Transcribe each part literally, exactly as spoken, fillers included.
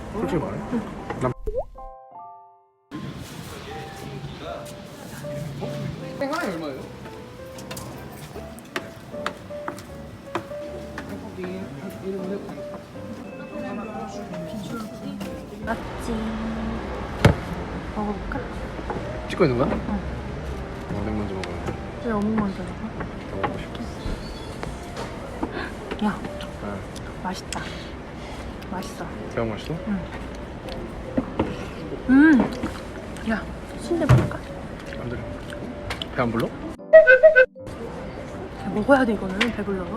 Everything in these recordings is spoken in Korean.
솔직히 말해. 응. 난 생활이 얼마예요? 맞지. 먹어볼까? 찍고 있는 거야? 응. 어묵 먼저 먹어야 돼. 왜 어묵 먼저 먹어? 더 먹고 싶어. 야, 아, 맛있다. 맛있어. 대박 맛있어? 응. 음. 야, 순대 먹을까? 안 돼. 배 안 불러? 야, 먹어야 돼 이거는 배불러서.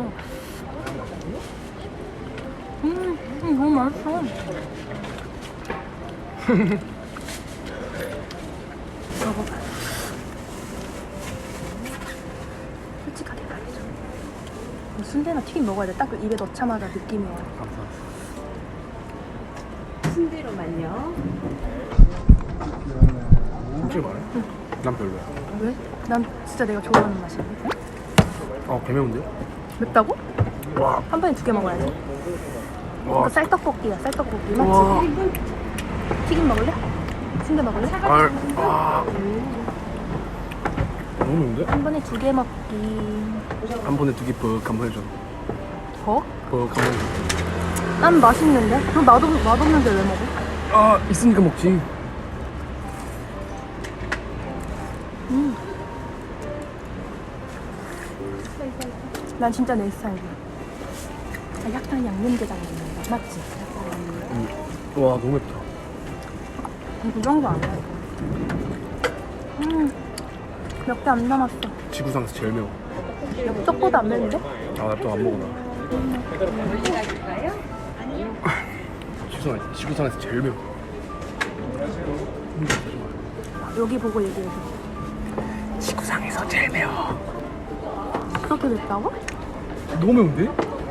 음, 음 너무 맛있어. 먹어봐. 솔직하게 말해줘. 순대나 튀김 먹어야 돼. 딱 그 입에 넣자마자 느낌이 와. 감사합니다. 순대로만요. 솔직히 말해? 응. 난 별로야. 왜? 난 진짜 내가 좋아하는 맛인데. 어, 개 매운데? 맵다고? 와, 한 번에 두 개 먹어야지. 와, 이거 쌀떡볶이야, 쌀떡볶이. 와. 맞지? 튀김 먹을래? 순대 먹을래? 아, 아. 너무 매운데? 한 번에 두 개 먹기. 한 번에 두 개 뻑 한번 해줘. 어? 뻑 한번 해줘. 난 맛있는데? 그럼 맛없, 맛없는데 왜 먹어? 아, 있으니까 먹지. 음. 난 진짜 내 스타일이야. 아, 약간 양념게장 넣는 거 맞지? 음. 와, 너무 맵다. 그 정도 아니야 이거. 음. 몇 개 안 남았어. 지구상에서 제일 매워. 엽떡보다 안 매운데? 아, 나 또 안 먹어, 나. 지구상, 지구상에서 제일 매워. 여기 보고 얘기해줘. 지구상에서 제일 매워. 그렇게 맵다고? 너무 매운데?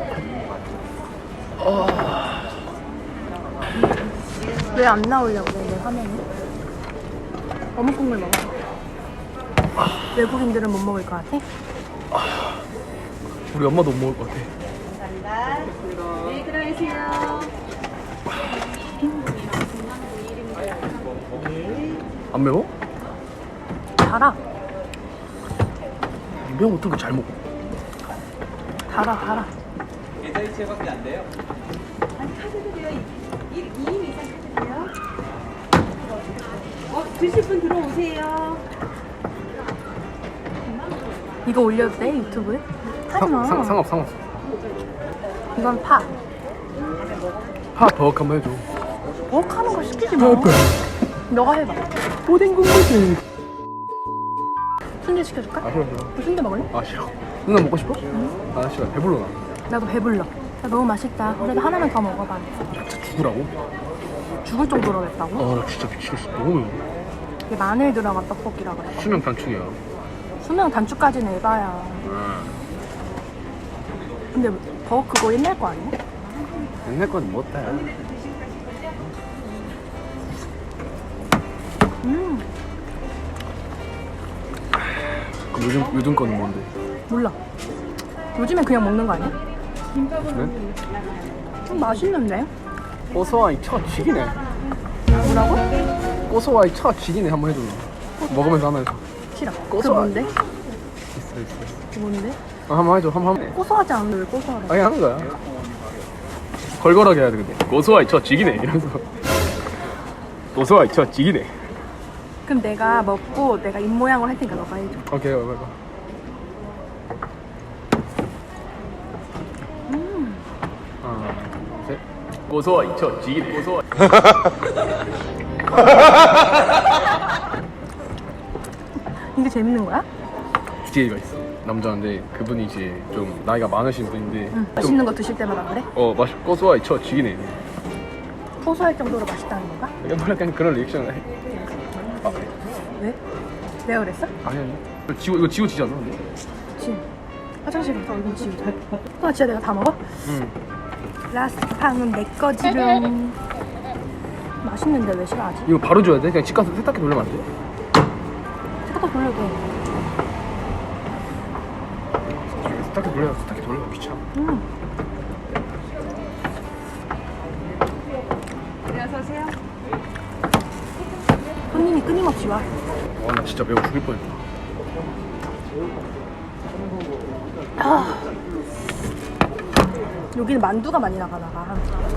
왜 안 나오려고 그래 내 화면에? 어묵 국물 먹어. 외국인들은 못 먹을 것 같아? 우리 엄마도 못 먹을 것 같아. 감사합니다. 네, 들어가세요. 안 매워? 달아. 매운 어떻게 잘 먹어? 달아 달아. 아니, 카드도 돼요. 이 인 이상 카드돼요. 어, 드실 분 들어오세요. 이거 올려도 돼 유튜브에? 하지마. 상, 상업, 상업. 이건 파. 파버거 한번 해줘. 먹하는 걸 시키지 마. 너가 해봐. 오뎅 국물이. 순대 시켜줄까? 아, 싫어, 싫어. 너 순대 먹을래? 아, 싫어. 누나 먹고 싶어? 응. 아, 싫어. 배불러, 나. 나도 배불러. 야, 너무 맛있다. 그래도 하나만 더 먹어봐. 진짜 죽으라고? 죽을 정도로 맵다고? 아, 나 진짜 미치겠어. 너무 매워. 이게 마늘 들어간 떡볶이라 그래. 수명 단축이야. 수명 단축까지는 에바야. 근데 더 그거 옛날 거 아니야? 옛날 건 못해. 음 그럼 요즘, 요즘 거는 뭔데? 몰라. 요즘엔 그냥 먹는 거 아니야? 요즘엔? 좀 맛있는데? 고소와이 첫 지기네. 뭐라고? 고소와이 첫 지기네. 한번 해줘. 먹으면서 하면서. 싫어. 그 고소한- 뭔데? 있어, 있어. 그 뭔데? 아, 한번 해줘. 한번 하면. 고소하지 않은데 왜 고소하래? 아니, 하는 거야. 걸걸하게 해야 돼, 근데. 고소와이 첫 지기네. 이러면서. 고소와이 첫 지기네. 그럼 내가 먹고 내가 입 모양을 할 테니까 너가 해줘. 오케이, 오케이, 오케이. 음. 하나, 둘, 셋. 고소와이 첫 지기네. 고소와이. 이게 재밌는 거야? 디제이가 있어. 남자인데 그분이 이제 좀 나이가 많으신 분인데 응. 좀, 맛있는 거 드실 때마다 그래? 어, 맛 고소와이 첫 지기네. 고소할 정도로 맛있다는 건가? 약간 약간 그런 리액션을 해. 왜? 내가 그랬어? 아니 아니. 이거 지워 이거 지워지지 않아? 근데? 그치. 화장실 가서 얼굴 지우자. 아 진짜 내가 다 먹어? 응. 라스트 팡은 내 거지롱. 맛있는데 왜 싫어하지? 이거 바로 줘야 돼? 그냥 집 가서 세탁기 돌리면 안 돼? 세탁기 돌려도 돼. 세탁기 돌려 세탁기 돌려 귀찮아. 음. 그래서 들어오세요. 손님이 끊임없이 와. 와, 나 진짜 매워 죽을 뻔했다. 아. 여기는 만두가 많이 나가나 봐.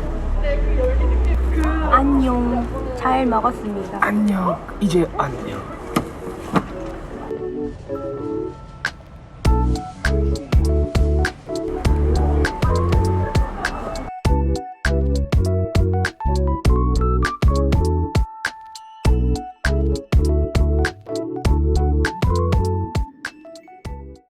안녕. 잘 먹었습니다. 안녕. 이제 안녕.